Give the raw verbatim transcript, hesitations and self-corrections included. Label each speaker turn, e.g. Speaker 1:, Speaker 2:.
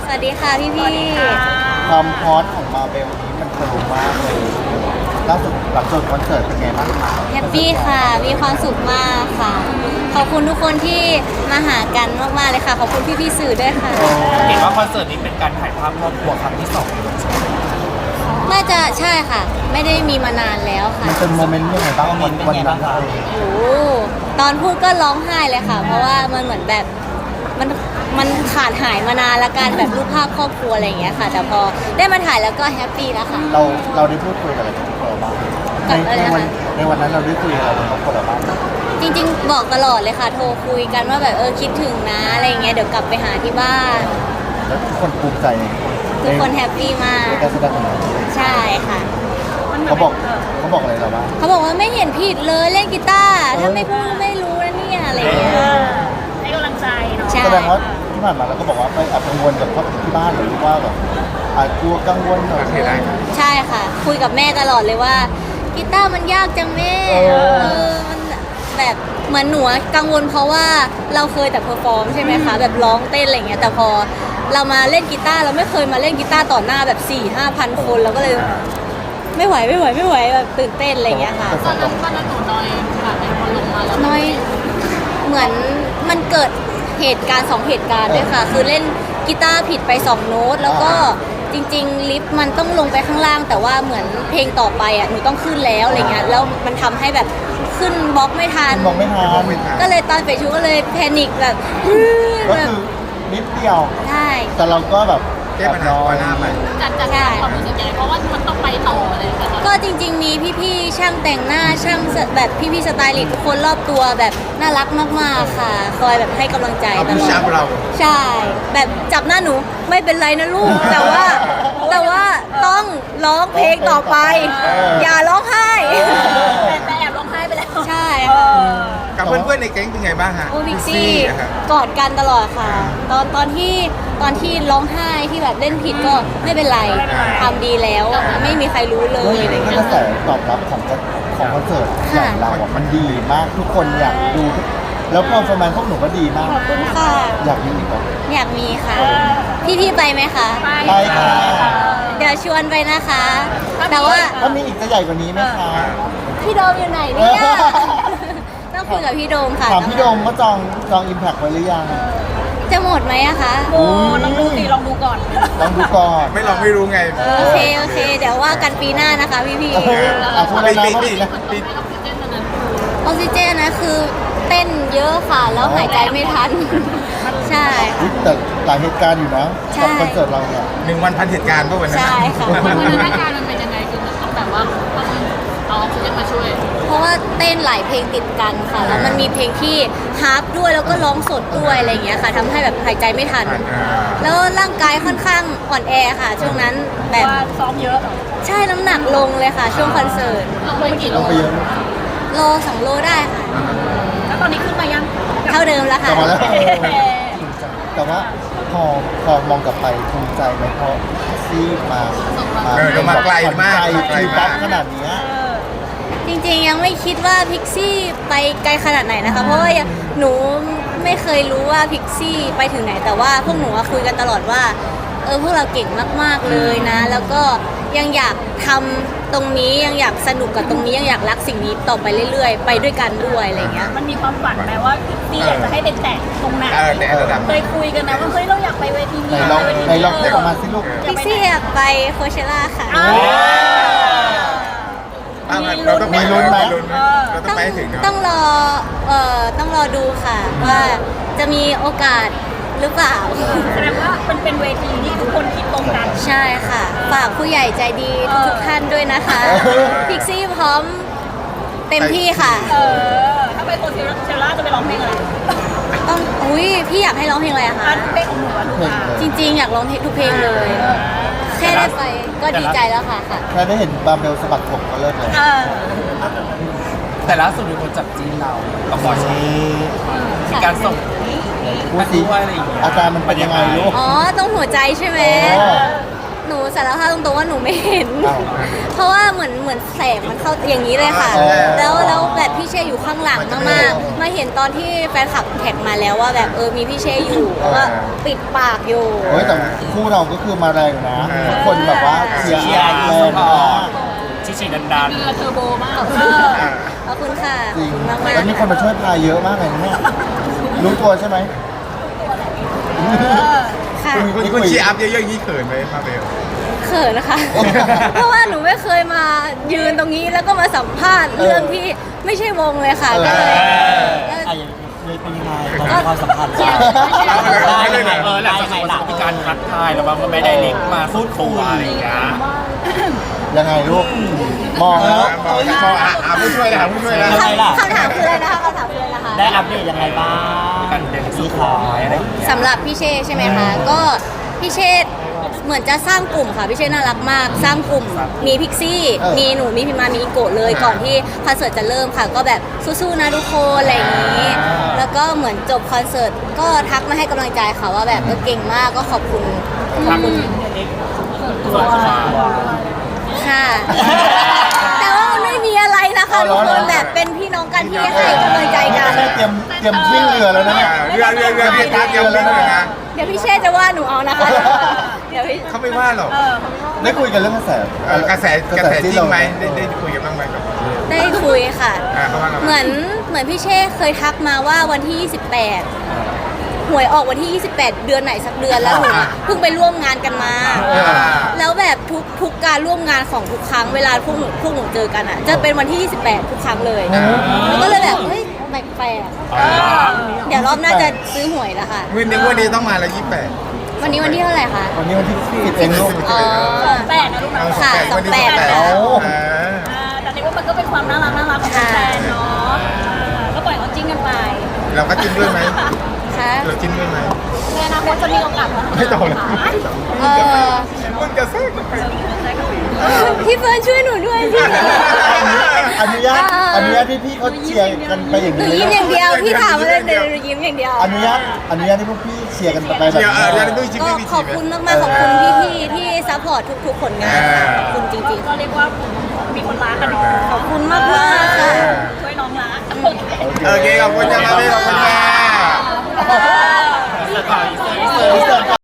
Speaker 1: สวัสดีค่ะพี่พี่
Speaker 2: ความฮอตของมาเบลนี้มันทะลุมากเลยล่าสุดหลังจบคอนเสิร์ตเป็นไงบ้างคะ
Speaker 1: แฮปปี้ค่ะ มีความสุขมากค่ะ ขอบคุณทุกคนที่มาหากันมากๆเลยค่ะ ขอบคุณพี่พี่ๆสื่อด้วยค่ะ
Speaker 3: เห็นว่าคอนเสิร์ตนี้เป็นการถ่ายภาพครอบครัวครั้งที่สอง
Speaker 1: น่าจะใช่ค่ะ ไม่ได้มีมานานแล้วค่ะ
Speaker 2: มันเป็นโมเมนต์ยังไงบ้างวันวันนั้นเลย
Speaker 1: โอ้โหตอนพูดก็ร้องไห้เลยค่ะ เพราะว่ามันเหมือนแบบมันมันขาดหายมานานละกันแบบรูปภาพครอบครัวอะไรอย่างเงี้ยค่ะ แต่พอได้มาถ่ายแล้วก็แฮปปี้แล้วค่ะ
Speaker 2: เราเราได้พูดคุยอะไรกับครอบครัวบ้างใน
Speaker 1: กับอะไร
Speaker 2: ใน
Speaker 1: นะคะ
Speaker 2: วันในวันนั้นเราได้คุยอะไรกับครอบครัวบ้าง
Speaker 1: จริงๆ บอกตลอดเลยค่ะ โทรคุยกันว่าแบบเออคิดถึงนะอะไรอย่างเงี้ย เดี๋ยวกลับไปหาที่บ้าน
Speaker 2: แล้วทุกคนภูมิใจใน
Speaker 1: ทุกคนแฮปปี้มาก
Speaker 2: ในการแสดงของเรา
Speaker 1: ใช่ค่ะ
Speaker 2: เขาบอกเขาบอกอะไรเราบ้าง
Speaker 1: เขาบอกว่าไม่เห็นผิดเลยเล่นกีตาร์ถ้าไม่พูดไม่รู้นะเนี่ยอะไรอย่างเงี้ย
Speaker 4: ให้กำลังใจเนาะ
Speaker 1: ใช่
Speaker 2: แสดงว่าที่ผ่านมาเราก็บอกว่าไปแอบกังวลกับครอบครัวที่บ้านหรือว่าแบบอาจกลัวกังวลหน่อย
Speaker 1: ใช่ค่ะ คุยกับแม่ตลอดเลยว่ากีตาร์มันยากจังแม่
Speaker 2: เออ
Speaker 1: เออมันแบบเหมือนหนูอะกังวลเพราะว่าเราเคยแต่เพอร์ฟอร์มใช่ไหมคะแบบร้องเต้นอะไรอย่างเงี้ยแต่พอเรามาเล่นกีตาร์เราไม่เคยมาเล่นกีตาร์ต่อหน้าแบบสี่ห้าพันคนเราก็เลยไม่ไหวไม่ไหวไม่ไหวแบบตื่นเต้นอะไรอย่างเงี้ยค่ะ
Speaker 2: แต่สำหรับ
Speaker 4: ตอนนั้นหนูน้อยค่ะเป็นคนลงมาแล้ว
Speaker 1: น้อยเหมือนมันเกิดเหตุการณ์สองเหตุการณ์ด้วยค่ะ คือเล่นกีตาร์ผิดไปสองโน้ตแล้วก็จริงๆลิฟต์มันต้องลงไปข้างล่าง แต่ว่าเหมือนเพลงต่อไปอ่ะหนูต้องขึ้นแล้วอะไรเงี้ยแล้วมันทำให้แบบขึ้นบล็อกไม่ทัน
Speaker 2: มองไม่ทัน
Speaker 1: ก็เลยตอนเฟซชูก็เลยแพนิคแบบ
Speaker 2: ก็
Speaker 1: แบบ
Speaker 2: คือนิดเดียว
Speaker 1: ใช่
Speaker 2: แต่เราก็แบบ
Speaker 5: แก้ปัญหาก่อนหน้าไป
Speaker 4: จัดจัดความรู้สึกยังไงเพราะว่ามันต้องไปต่ออะไรอย่างเงี้ย
Speaker 1: ก็จริงๆมีพี่ๆช่างแต่งหน้าช่างแบบพี่ๆสไตลิสต์ทุกคนรอบตัวแบบน่ารักมากๆค่ะ คอยแบบให้กำลังใจ
Speaker 5: เอา
Speaker 1: ต
Speaker 5: ผู้
Speaker 1: ลอ
Speaker 5: ชา
Speaker 1: ด
Speaker 5: เรา
Speaker 1: ใช่ แบบจับหน้าหนูไม่เป็นไรนะลูก แต่ว่าแต่ว่าต้องร้องเพลงต่อไป อย่าร้องไห้
Speaker 4: แต่แต่แอบร้องไห้ไปแล้ว
Speaker 1: ใช่
Speaker 4: เอ
Speaker 1: ค่ะ
Speaker 4: อ
Speaker 5: กับเพื่อนๆในแก๊งเป็นไงบ้างฮะ
Speaker 1: โอ้พิกซี่
Speaker 5: อะครับ
Speaker 1: กอดกันตลอดค่ะ ตอนตอนที่ตอนที่ร้องไห้ที่แบบเล่นผิดก็ไม่เป็นไรทำดีแล้ว ไม่มีใครรู้เลยอะไร
Speaker 2: ถ้า
Speaker 1: เงี้
Speaker 2: ก
Speaker 1: ย
Speaker 2: ระแสตอบรับของของคอนเสิร์ตข
Speaker 1: ค่ะ
Speaker 2: องเราอะมันดีมากทุกคนอยากดูทุกแล้วพอฟอร์แมนพวกหนูก็ดีมาก
Speaker 1: ขอบคุณค่ะ
Speaker 2: อยากมีอีกไหม
Speaker 1: อยากมีค่ะ พี่ๆไปไหมคะ
Speaker 2: ไปค่ะ
Speaker 1: เดี๋ยวชวนไปนะคะ แต่ว่า
Speaker 2: ถ้ามีอีกจะใหญ่กว่านี้ไหมคะ
Speaker 1: พี่โดมอยู่ไหนเนี่ย ต้องคุยกับพี่โดมค่ะ
Speaker 2: ถามพี่โดมว่าจองจองอิมแพคไว้หรือยัง
Speaker 1: จะหมดไหมอะคะ
Speaker 4: โอ้ลองดูสิลองดูก่อน
Speaker 2: ลองดูก่อน
Speaker 5: ไม่ลองไม่รู้ไง
Speaker 1: โอเค โอเค เดี๋ยวว่ากันปีหน้านะคะพี่พี่
Speaker 2: เอออ่ะพูดแล้วนะ
Speaker 5: ปี
Speaker 2: พูด
Speaker 5: ปี
Speaker 2: อีกนะ
Speaker 5: ปี
Speaker 1: ๆออกซิเจนนะคือเต้นเยอะค่ะ แล้วหายใจไม่ทัน ใช่
Speaker 2: อุ๊ยแต่หลายเหตุการณ์อยู่นะ
Speaker 1: ใช่
Speaker 2: กับคอนเสิร์ตเราเนี่ย
Speaker 5: หนึ่งวันพันเหตุการณ์ป่ะวันนั้น
Speaker 1: ใช่
Speaker 5: น่ะ
Speaker 1: ค่ะ
Speaker 4: วันนั้นอาการมันเป็นยังไงคือมันต้องแบบว่าต้องเอาออกซิเจนมาช่วย
Speaker 1: เพราะว่าเต้นหลายเพลงติดกันค่ะ แล้วมันมีเพลงที่ฮาร์ปด้วยแล้วก็ร้องสดด้วยอะไรอย่างเงี้ยค่ะทำให้แบบหายใจไม่ทัน
Speaker 5: อ่า
Speaker 1: แล้วร่างกายค่อนข้างอ่อนแอค่ะ ช่วงนั้นแบบ
Speaker 4: ว่าซ้อมเยอะ
Speaker 1: ใช่น้ำหนักลงเลยค่ะ ช่วงคอนเสิร์ต
Speaker 4: ลงไปกี่
Speaker 2: ล
Speaker 4: โล
Speaker 2: งไปเยอะ
Speaker 1: โลสองโลได้ค่ะ
Speaker 4: แล้วตอนนี้ขึ้นมายัง
Speaker 1: เท่าเดิมแล้ว
Speaker 2: กลั
Speaker 1: ค่ะ
Speaker 2: บมาแล้วแต่ว่าพอพอมองกลับไปภูมิใจไหมเพราะซีมา
Speaker 5: เออเรามาไกลมาก
Speaker 2: ไกล
Speaker 5: ไกล
Speaker 2: คือป๊
Speaker 5: มา
Speaker 2: อก ปขนาดเนี้ย
Speaker 1: จริงๆยังไม่คิดว่าพิกซี่ไปไกลขนาดไหนนะคะ เพราะว่ายังหนูไม่เคยรู้ว่าพิกซี่ไปถึงไหน แต่ว่าพวกหนูอะคุยกันตลอดว่าเออพวกเราเก่งมากๆเลยนะ แล้วก็ยังอยากทำตรงนี้ยังอยากสนุกกับตรงนี้ยังอยากรักสิ่งนี้ต่อไปเรื่อยๆ ไปด้วยกันด้วยอะไรอย่างเงี้ย
Speaker 4: มันมีความฝันไหมว่าพี่อยากจะให้ไปแตะตรงไหน
Speaker 5: เออแต่ระดับ
Speaker 4: เคยคุยกันนะว่าเฮ้ยเราอยากไปเวที
Speaker 2: ไหน
Speaker 4: นี้
Speaker 2: ลอง
Speaker 4: ไปเวที
Speaker 2: ไหนลอง
Speaker 4: นี้
Speaker 2: เรียกออกมาสิลูก
Speaker 1: พิกซี่อยากไปโคเชล่าค่ะ
Speaker 4: อ่า
Speaker 5: อ่ะเราต้องไป
Speaker 2: มีลุ้นไหม
Speaker 5: เราต้องไปให้ถึงเนอะ
Speaker 1: ต้องรอเอ่อต้องรอดูค่ะ ว่าจะมีโอกาสหรือเปล่า
Speaker 4: แสดงว่ามันเป็นเวทีที่ทุกคนคิดตรงกัน
Speaker 1: ใช่ค่ะ ฝากผู้ใหญ่ใจดีทุกๆท่านด้วยนะคะ
Speaker 2: เออ
Speaker 1: พิกซี่พร้อมเต็มที่ค่ะ
Speaker 4: เออ ถ้าไปโคเชล่าจะไปร้องเพลงอะไร
Speaker 1: ต้องอุ้ยพี่อยากให้ร้องเพลงอะไรอะ
Speaker 4: อั
Speaker 1: คะ
Speaker 4: นเพลงของหนูอะลูก
Speaker 2: เพลง
Speaker 4: อ่ะ
Speaker 2: เลย
Speaker 1: จริงๆ อยากร้องเพลงทุกเพลงเลย แค่ได้ไปก็ดีใจแล้วค่ะค่ะ
Speaker 2: แค่ได้เห็นบาร์เบลสะบัดผมก็เลิกเลย
Speaker 4: เออ
Speaker 3: แต่ล่าสุดมีคนจับจีนเรากับหมอชีมีการส่ง
Speaker 2: พูดสิ
Speaker 3: ด้วยอะไรอย่างเงี้ย
Speaker 2: อาการมันเป็นยังไงลูก
Speaker 1: อ๋อต้องหัวใจใช่ไหม
Speaker 2: อ๋อ
Speaker 1: จหนูสารภาพตรงๆว่าหนูไม่เห็น
Speaker 2: อ้าว
Speaker 1: เพราะว่าเหมือนเหมือนแสงมันเข้าอย่างนี้เลยค่ะ
Speaker 2: อ๋อ
Speaker 1: แล้วแล้วแบบพี่เช่อยู่ข้างหลังมากๆ มาเห็นตอนที่แฟนคลับแท็กมาแล้วว่าแบบเออมีพี่เช่อยู่แล้วก็ปิดปากอยู่
Speaker 2: เฮ้ยแต่คู่เราก็คือมาแรงนะทุกคนแบบว่าเชียร์
Speaker 3: เชียร์
Speaker 2: แรงมาก
Speaker 3: ชิชิดันดัน
Speaker 4: เรือเทอร์โบมาก
Speaker 1: ขอบคุณค่ะ
Speaker 2: จริง
Speaker 1: ขอบคุณมาก
Speaker 2: แล้วมีคนมาช่วยพายเยอะมากเลยนะเนี่ยรู้ตัวใช่ไหม
Speaker 1: ๆค่ะ
Speaker 5: คุณคุณเชียร์อัพเยอะๆอย่างนี้เขินไหมมาเบล
Speaker 1: เขินนะคะ เพราะว่าหนูไม่เคยมายืนตรงนี้แล้วก็มาสัมภาษณ์เรื่องที่ไม่ใช่วงเลยค่ะก็เลยเออ
Speaker 6: อ่ะอย่างเลยเป็นยังไงตอนความสัมพันธ์
Speaker 5: เอาเลยเอาเลยเหรอ
Speaker 3: เออหลังจากนั้นมีการทักทายแล้วว่าก็ไม่ได้เล็กมาพูดคุยอะไรอย่างเงี้ย
Speaker 2: ยังไงลูก มองแล้ว
Speaker 5: มองมองอ่ะอ่ะผู้ช่วยเลยค่ะผู้ช่วยแล้ว
Speaker 6: ยังไงล่ะ
Speaker 1: คำถามคืออะไรนะคะคำถามคืออะไรนะคะ
Speaker 6: ได้อัปเดตยังไงบ้าง
Speaker 3: กันเด็กสุดท้ายอะไรอย่างเงี้ย
Speaker 1: สำหรับพี่เช่ใช่ไหมคะ ก็พี่เช่เหมือนจะสร้างกลุ่มค่ะพี่เช่น่ารักมาก สร้างกลุ่มมีพิกซี่
Speaker 2: เออ
Speaker 1: มีหนูมีพิมมามีอิโกะเลยก่อนที่คอนเสิร์ตจะเริ่มค่ะ ก็แบบสู้ๆนะทุกคนอะไรอย่างนี้ แล้วก็เหมือนจบคอนเสิร์ตก็ทักมาให้กำลังใจค่ะว่าแบบเออเก่งมากก็ขอบคุณขอบคุณ
Speaker 3: ส่วนตัว
Speaker 1: ค่ะ แต่ว่ามันไม่มีอะไรนะคะทุกคนแบบเป็นพี่น้องกันที่ให้กำลังใจกัน
Speaker 2: เตรียมเตรียมวิ่งเรือแล้วนะเนี่ย
Speaker 5: เรือเรือเรือพี่ตาเตรียมวิ่งเลยนะ
Speaker 1: เดี๋ยวพี่เช่จะว่าหนูเอานะคะ เดี๋ยวพี่
Speaker 5: เขาไม่ว่าหรอก
Speaker 2: ได้คุยกันเรื่องกระแส
Speaker 5: เออกระแสกระแสจริงไหม
Speaker 2: ที่
Speaker 5: ได้
Speaker 2: เา
Speaker 5: ได้คุยกันบ้างไหมกับ
Speaker 1: ได้คุยค่ะ
Speaker 5: อ่าเขาว่าไงบ้าง
Speaker 1: เหมือนเหมือนพี่เช่เคยทักมาว่าวันที่ ยี่สิบแปด หวยออกวันที่ ยี่สิบแปด เดือนไหนสักเดือนแล้วหนูอะเพิ่งไปร่วมงานกันมา
Speaker 5: อ่า
Speaker 1: แล้วแบบทุกทุกการร่วมงานของทุกครั้งเวลาพวกหนูพวกหนูเจอกันอ่ะ จะเป็นวันที่ ยี่สิบแปด ทุกครั้งเลยแล้วก็เลยแบบเฮ้ยแปลกๆเดี๋ยวรอบหน้าจะซื้อหวยแล้วค่ะ
Speaker 5: วันนี้วันนี้ต้องมาแล้วยี่สิบแปด
Speaker 1: วันนี้วันที่เท่าไหร่คะ
Speaker 2: วันนี้วันที่สิบเองลูก
Speaker 1: อ๋อ
Speaker 4: แปดนะลูกนะ
Speaker 1: ค่ะสองแปด
Speaker 2: เอา
Speaker 5: อ่า
Speaker 4: อ่าแต่นี่ว่ามันก็เป็นความน่ารักน่ารักของแฟนเนาะอ่าก็ปล่อยเขาจิ้นกันไป
Speaker 5: เราก็จิ้นด้วยไหม
Speaker 1: ค่ะ
Speaker 5: เราจิ้นด้วยไหม
Speaker 4: ในอนาคตจะมีโอกาส
Speaker 5: ไม่ต้องเลย
Speaker 1: เออ
Speaker 5: มึงจะแทรกไป
Speaker 1: พี่เฟิร์นช่วยหนูด้วยพี่
Speaker 2: อนุญาตอนุญาตที่พี่เขาเชียร์กันไปอย่าง
Speaker 1: หนู
Speaker 2: นี้
Speaker 1: ยิ้มอย่างเดียวพี่ถามอะไรเดี๋ยวหนูยิ้มอย่างเดียว
Speaker 2: อนุญาตอนุญาตที่พวกพี่เชียร์กันไปแบบ
Speaker 5: เชียร์เออเดี๋ยว
Speaker 2: นี้
Speaker 5: ดูจิ้น
Speaker 1: ก็
Speaker 5: ไม่มี
Speaker 1: ขอบคุณมากๆขอบคุณพี่ๆที่ซัพพอร์ตทุกๆผลงานค่ะขอบคุณจริง
Speaker 4: ก็เรียกว่ามีคนรักกันเนาะ
Speaker 1: ๆ ขอบคุณมากๆค่ะ
Speaker 4: ช่วยน้องรัก
Speaker 5: โอเคขอบคุณจ้ามาเบลขอบคุณจ้า
Speaker 3: เสิร์ฟก่อนเสิร์ฟ
Speaker 2: เสิร์ฟก่อน